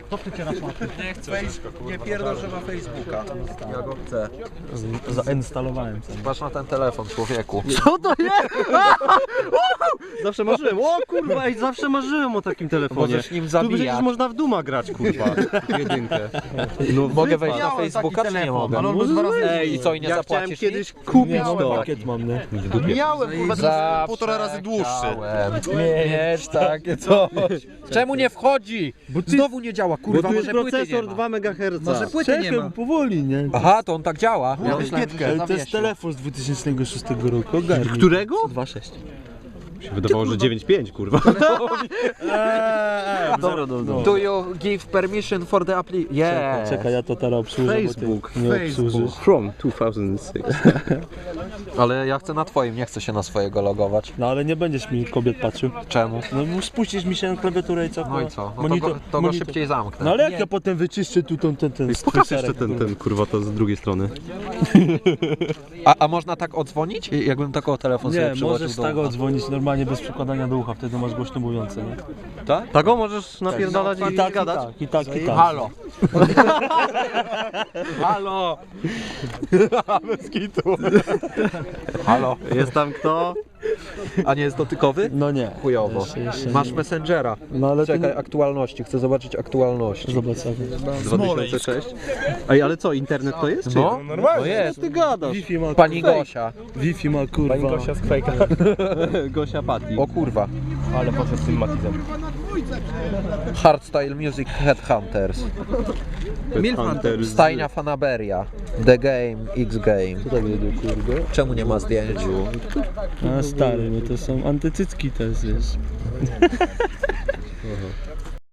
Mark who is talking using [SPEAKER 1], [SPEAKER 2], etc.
[SPEAKER 1] Co chcecie na smaku?
[SPEAKER 2] Nie chcę.
[SPEAKER 3] Nie pierdol, że ma Facebooka. Ja go chcę.
[SPEAKER 4] Zainstalowałem sobie.
[SPEAKER 3] Patrz na ten telefon, człowieku.
[SPEAKER 4] Co to jest? Zawsze marzyłem, o kurwa, ej, zawsze marzyłem o takim telefonie.
[SPEAKER 3] Możesz nim
[SPEAKER 4] Tu
[SPEAKER 3] zabijać.
[SPEAKER 4] przecież można w Duma grać, kurwa. Jedynkę. No
[SPEAKER 3] Mogę wejść na
[SPEAKER 1] Miałem
[SPEAKER 3] Facebooka,
[SPEAKER 1] taki
[SPEAKER 3] czy nie
[SPEAKER 1] telefon,
[SPEAKER 3] mogę?
[SPEAKER 1] ale on był 2 razy
[SPEAKER 3] Ej, i co, i nie
[SPEAKER 4] Ja chciałem
[SPEAKER 3] zapłacisz
[SPEAKER 4] kiedyś
[SPEAKER 3] nic?
[SPEAKER 4] kupić to. Pakiet mam, nie?
[SPEAKER 1] Miałem, kurwa,
[SPEAKER 3] Zawsze
[SPEAKER 1] półtora razy dłuższy.
[SPEAKER 3] chciałem mieć takie coś. Czemu nie wchodzi? Znowu nie działa,
[SPEAKER 4] Bo
[SPEAKER 3] kurwa,
[SPEAKER 4] tu jest
[SPEAKER 3] może płyty nie
[SPEAKER 4] procesor
[SPEAKER 3] ma.
[SPEAKER 4] 2 MHz.
[SPEAKER 3] Może płyty nie ma.
[SPEAKER 4] powoli, nie?
[SPEAKER 3] Aha, to on tak działa. Ja myślałem, że się
[SPEAKER 4] To jest
[SPEAKER 3] zawiesił.
[SPEAKER 4] telefon z 2006 roku. Ogarnij. Którego? 2.6.
[SPEAKER 5] Się wydawało, że 9.5, kurwa.
[SPEAKER 4] Dobra, dobra.
[SPEAKER 3] Do you give permission for the application? Yeah.
[SPEAKER 4] Czekaj, ja to teraz obsłużę,
[SPEAKER 5] Facebook.
[SPEAKER 4] bo ty nie obsłużysz.
[SPEAKER 5] From 2006.
[SPEAKER 3] Ale ja chcę na twoim, nie chcę się na swojego logować.
[SPEAKER 4] No ale nie będziesz mi kobiet patrzył.
[SPEAKER 3] Czemu?
[SPEAKER 4] No spuścisz mi się na klawiaturę i co?
[SPEAKER 3] No i co? No to go szybciej zamknę.
[SPEAKER 4] No ale jak ja potem wyczyszczę tu ten
[SPEAKER 5] Pokaż jeszcze ten, kurwa, to z drugiej strony.
[SPEAKER 3] A można tak odzwonić? Jakbym taką telefon sobie
[SPEAKER 4] Nie,
[SPEAKER 3] przyłożył
[SPEAKER 4] możesz
[SPEAKER 3] do
[SPEAKER 4] tak
[SPEAKER 3] ucha.
[SPEAKER 4] odzwonić normalnie bez przykładania do ucha, wtedy masz głośno mówiące, nie?
[SPEAKER 3] Tak?
[SPEAKER 5] Tak, możesz napierdalać
[SPEAKER 4] I tak, i tak.
[SPEAKER 3] Halo. Halo.
[SPEAKER 5] Bez kitu.
[SPEAKER 3] Halo.
[SPEAKER 5] Jest tam kto?
[SPEAKER 3] A nie jest dotykowy?
[SPEAKER 4] No nie.
[SPEAKER 3] Chujowo.
[SPEAKER 4] Jeszcze
[SPEAKER 3] Masz
[SPEAKER 4] nie.
[SPEAKER 3] Messengera.
[SPEAKER 4] No ale
[SPEAKER 3] Czekaj,
[SPEAKER 4] ty...
[SPEAKER 3] aktualności. Chcę zobaczyć aktualności.
[SPEAKER 4] Zobacz sobie.
[SPEAKER 5] 2006. Ej, ale co, internet to jest? Czy?
[SPEAKER 3] No, no jest.
[SPEAKER 5] Ty gadasz.
[SPEAKER 4] Wi-Fi ma
[SPEAKER 3] Pani Gosia.
[SPEAKER 4] Wi-Fi ma kurwa.
[SPEAKER 5] Pani Gosia z Quake'a. Gosia Patti.
[SPEAKER 3] O kurwa.
[SPEAKER 5] Ale poszedł z tym matizem.
[SPEAKER 3] Hardstyle Music Headhunters.
[SPEAKER 5] Hunters.
[SPEAKER 3] Stajnia Fanaberia. The Game, X Game.
[SPEAKER 4] Tak jedzie, kurde.
[SPEAKER 3] Czemu nie ma zdjęć?
[SPEAKER 4] A stary, bo to są antycycki też, wiesz.